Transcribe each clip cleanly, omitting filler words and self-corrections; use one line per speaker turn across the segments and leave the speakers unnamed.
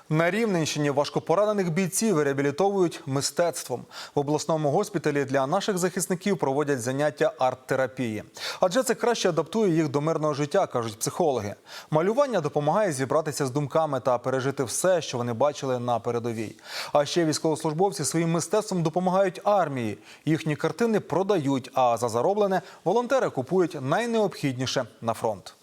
На Рівненщині важкопоранених бійців реабілітовують мистецтвом. В обласному госпіталі для наших захисників проводять заняття арт-терапії. Адже це краще адаптує їх до мирного життя, кажуть психологи. Малювання допомагає зібратися з думками та пережити все, що вони бачили на передовій. А ще військовослужбовці своїм мистецтвом допомагають армії. Їхні картини продають, а за зароблене волонтери купують найнеобхідніше на фронт.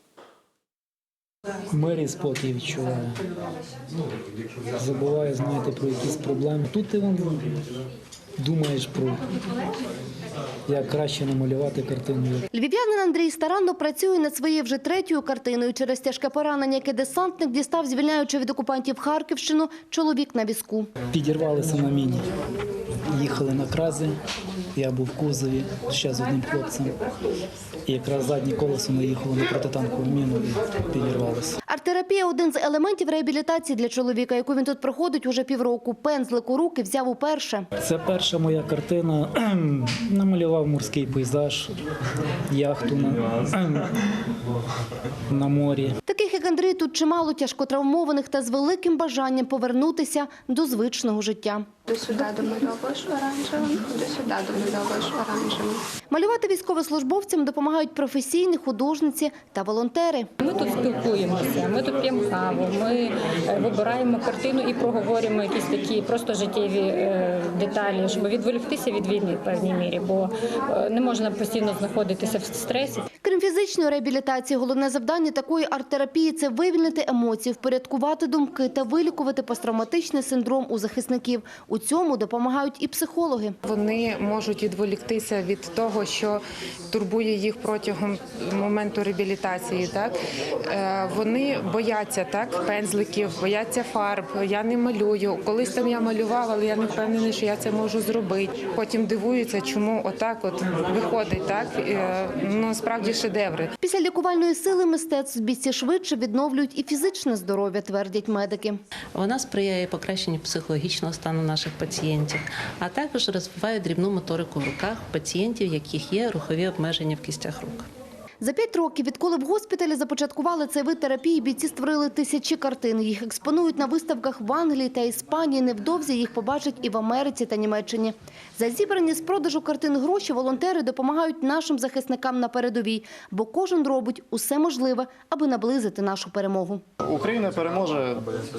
Мир і спокій відчуваю. Забуваю, знаєте, про якісь проблеми. Тут ти думаєш про як краще намалювати картину.
Львів'янин Андрій старанно працює над своєю вже третьою картиною. Через тяжке поранення, яке десантник дістав, звільняючи від окупантів Харківщину, чоловік на візку.
Підірвалися на міні. Їхали на Кразі, я був в кузові ще з одним хлопцем. І якраз заднє колесо наїхало на протитанкову міну і підірвалося.
Арт-терапія – один з елементів реабілітації для чоловіка, яку він тут проходить уже півроку. Пензлик у руки взяв уперше.
Це перша моя картина. Намалював морський пейзаж, яхту на морі.
Таких, як Андрій, тут чимало тяжкотравмованих та з великим бажанням повернутися до звичного життя.
До сюди домальовуєш оранжевим, до сюди домальовуєш оранжевим.
Малювати військовослужбовцям допомагають професійні художниці та волонтери.
Ми тут спілкуємося, ми тут п'ємо каву, ми вибираємо картину і проговорюємо якісь такі просто життєві деталі, щоб відволіктися від війни в певній мірі, бо не можна постійно знаходитися в стресі.
Крім фізичної реабілітації, головне завдання такої арт-терапії – це вивільнити емоції, впорядкувати думки та вилікувати посттравматичний синдром у захисників. У цьому допомагають і психологи.
Вони можуть відволіктися від того, що турбує їх протягом моменту реабілітації. Так? Вони бояться пензликів, бояться фарб. Я не малюю. Колись там я малювала, але я не впевнена, що я це можу зробити. Потім дивуються, чому отак виходить. Так? Насправді шедеври.
Після лікувальної сили мистецтв бійці швидше відновлюють і фізичне здоров'я, твердять медики.
Вона сприяє покращенню психологічного стану наших пацієнтів, а також розвиває дрібну моторику в руках пацієнтів, в яких є рухові обмеження в кістях рук.
За 5 років, відколи в госпіталі започаткували цей вид терапії, бійці створили тисячі картин. Їх експонують на виставках в Англії та Іспанії. Невдовзі їх побачать і в Америці та Німеччині. За зібрані з продажу картин гроші волонтери допомагають нашим захисникам на передовій, бо кожен робить усе можливе, аби наблизити нашу перемогу.
Україна переможе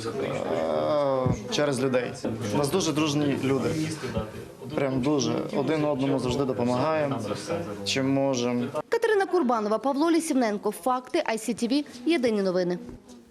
через людей. У нас дуже дружні люди. Прям дуже. Один одному завжди допомагаємо, чим можемо.
Катерина Курбанова, Павло Лісівненко. Факти ICTV. Єдині новини.